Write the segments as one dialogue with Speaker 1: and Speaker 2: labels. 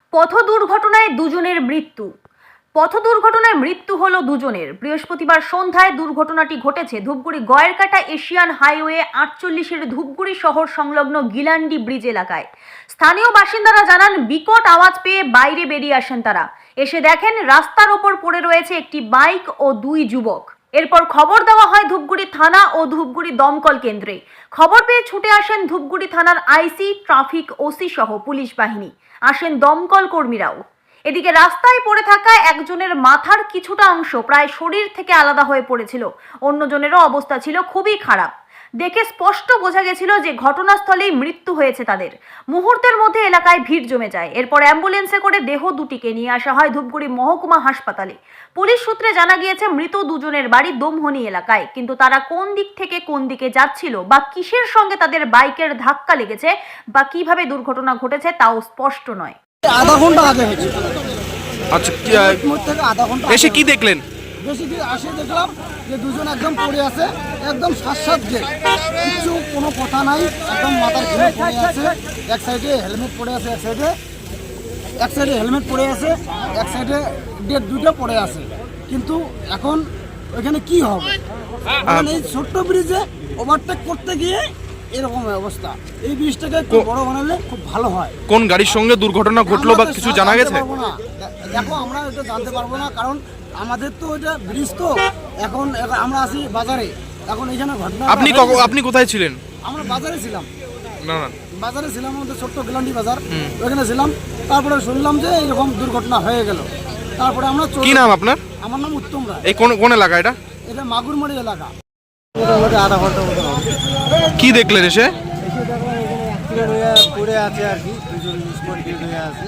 Speaker 1: পথ দুর্ঘটনায় দুজনের মৃত্যু। পথ দুর্ঘটনায় মৃত্যু হলো দুজনের। বৃহস্পতিবার সন্ধ্যায় দুর্ঘটনাটি ঘটেছে ধূপগুড়ি গয়েরকাটা এশিয়ান হাইওয়ে 48-এর ধূপগুড়ি শহর সংলগ্ন গিলান্ডি ব্রিজ এলাকায়। স্থানীয় বাসিন্দারা জানান, বিকট আওয়াজ পেয়ে বাইরে বেরিয়ে আসেন তারা। এসে দেখেন রাস্তার ওপর পড়ে রয়েছে একটি বাইক ও দুই যুবক। এরপর খবর দেওয়া হয় ধূপগুড়ি থানা ও ধূপগুড়ি দমকল কেন্দ্রে। খবর পেয়ে ছুটে আসেন ধূপগুড়ি থানার আইসি, ট্রাফিক ওসি সহ পুলিশ বাহিনী। আসেন দমকল কর্মীরাও। এদিকে রাস্তায় পড়ে থাকা একজনের মাথার কিছুটা অংশ প্রায় শরীর থেকে আলাদা হয়ে পড়েছিল। অন্যজনেরও অবস্থা ছিল খুবই খারাপ। দেখে স্পষ্ট বোঝা গেছিল যে ঘটনাস্থলেই মৃত্যু হয়েছে তাদের। মুহূর্তের মধ্যে এলাকায় ভিড় জমে যায়। এরপর অ্যাম্বুলেন্সে করে দেহ দুটিকে নিয়ে আসা হয় ধূপগুড়ি মহকুমা হাসপাতালে। পুলিশ সূত্রে জানা গিয়েছে, মৃত দুজনের বাড়ি দমহনি এলাকায়, কিন্তু তারা কোন দিক থেকে কোন দিকে যাচ্ছিল বা কিসের সঙ্গে তাদের বাইকের ধাক্কা লেগেছে বা কিভাবে দুর্ঘটনা ঘটেছে তাও স্পষ্ট নয়।
Speaker 2: আধা ঘন্টা আগে হয়েছে।
Speaker 3: আচ্ছা,
Speaker 2: থেকে আধা ঘন্টা
Speaker 3: এসে কি দেখলেন?
Speaker 2: বেশি কি আসে দেখলাম যে দুজন একদম পড়ে আছে, একদম সাত যে কিছু কোনো কথা নাই, একদম মাথার ঘুরে পড়ে আছে। এক সাইডে হেলমেট পড়ে আছে, এক সাইডে হেলমেট পড়ে আছে, এক সাইডে ডেট দুটো পড়ে আছে। কিন্তু এখন ওইখানে কি হবে? মানে এই ছোট্ট ব্রিজে ওভারটেক করতে গিয়ে এরকম অবস্থা। এই ব্রিজটাকে একটু বড় বানালে খুব ভালো হয়।
Speaker 3: কোন গাড়ির সঙ্গে দুর্ঘটনা ঘটলো বা কিছু জানা গেছে?
Speaker 2: দেখো, আমরা এটা জানতে পারবো না, কারণ আমাদের তো এটা ব্রিজ, তো এখন আমরা আছি বাজারে। এখন এখানে ঘটনা
Speaker 3: আপনি কোথায় ছিলেন?
Speaker 2: আমরা বাজারে ছিলাম।
Speaker 3: না না,
Speaker 2: বাজারে ছিলাম, আমাদের ছোট্ট গিলান্ডি বাজার, ওখানে ছিলাম। তারপরে শুনলাম যে এরকম দুর্ঘটনা হয়ে গেল। তারপরে আমরা
Speaker 3: কি নাম আপনার?
Speaker 2: আমার নাম উত্তম রায়।
Speaker 3: এই কোন এলাকা এটা?
Speaker 2: এটা মাগুরমারি এলাকা। মোটামুটি আধা ঘন্টা মতো হবে।
Speaker 3: কি দেখলেন এসে?
Speaker 2: এসে দেখো এখানে অ্যাক্সিডেন্ট হয়ে পড়ে আছে আর কি, দুজন স্পট ডেড হয়ে আছে।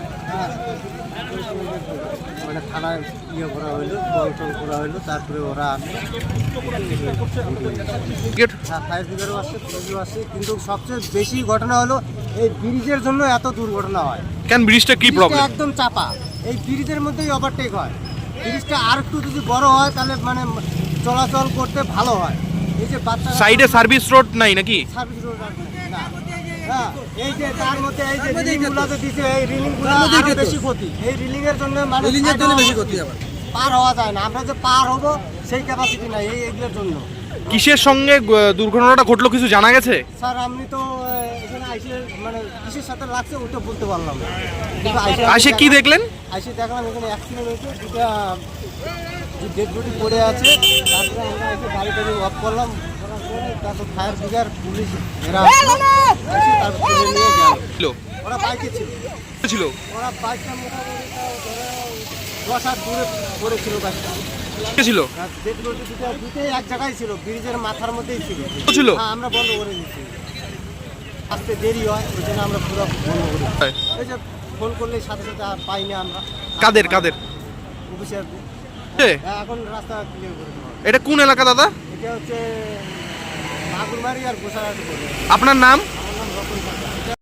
Speaker 2: মানে থানায় করা হইলো, কল করা হইলো, তারপরে ওরা ফায়ার ব্রিগেডও আসছে, পুলিশও আসছে। কিন্তু সবচেয়ে বেশি ঘটনা হলো এই ব্রিজের জন্য এত দুর্ঘটনা হয়।
Speaker 3: কেন, ব্রিজটা কি প্রবলেম?
Speaker 2: একদম চাপা, এই ব্রিজের মধ্যেই ওভারটেক হয়। ব্রিজটা আর একটু যদি বড় হয় তাহলে মানে চলাচল করতে ভালো হয়। এই যে বাচ্চা
Speaker 3: সাইডে সার্ভিস রোড নাই নাকি?
Speaker 2: সার্ভিস রোড আর না। হ্যাঁ, এই যে তার মধ্যে এই যে রিলিংগুলোতে দিছে, এই রিলিংগুলো আরো বেশি ক্ষতি। এই রিলিং এর জন্য মানে রিলিংয়ের জন্য বেশি ক্ষতি আবার পার হওয়া যায় না। আমরা যে পার হব সেই ক্যাপাসিটি নাই এইগুলোর জন্য।
Speaker 3: কিসের সঙ্গে দুর্ঘটনাটা ঘটলো কিছু জানা গেছে?
Speaker 2: স্যার, আমি তো এখানে আইসে মানে কিসের সাথে লাগছে ওটা বলতে পারলাম না।
Speaker 3: আইসে কি দেখলেন?
Speaker 2: আইসে দেখলাম এখানে অ্যাক্সিডেন্ট হয়েছে, দুটা ডেড বডি পড়ে আছে। তারপরে আমরা এসে গাড়ি টাড়ি অফ করলাম, করার পরে তারপর ফায়ার ব্রিগেড, পুলিশ এরা এসে তারপর তুলে নিয়ে গেল। ওরা বাইকে
Speaker 3: ছিল?
Speaker 2: ওরা বাইকটা মোটামুটি ধরো 10 হাত দূরে পড়েছিল বাইকটা।
Speaker 3: ছিল?
Speaker 2: ডেড বডি দুটোই এক জায়গায় ছিল, ব্রিজের মাথার মধ্যেই
Speaker 3: ছিল।
Speaker 2: হ্যাঁ, আমরা বন্ধ করে দিচ্ছি। আসতে দেরি হয়, ওই জন্য আমরা পুরো বন্ধ করে দিই। এই যে ফোন করলে সাথে সাথে আর পাই না আমরা।
Speaker 3: কাদের?
Speaker 2: অফিসার। এখন রাস্তা ক্লিয়ার করে দেওয়া।
Speaker 3: এটা কোন এলাকা দাদা?
Speaker 2: এটা হচ্ছে মাগুরমারি আর গোসাঘাট।
Speaker 3: আপনার নাম?
Speaker 2: আমার নাম রতন সরকার।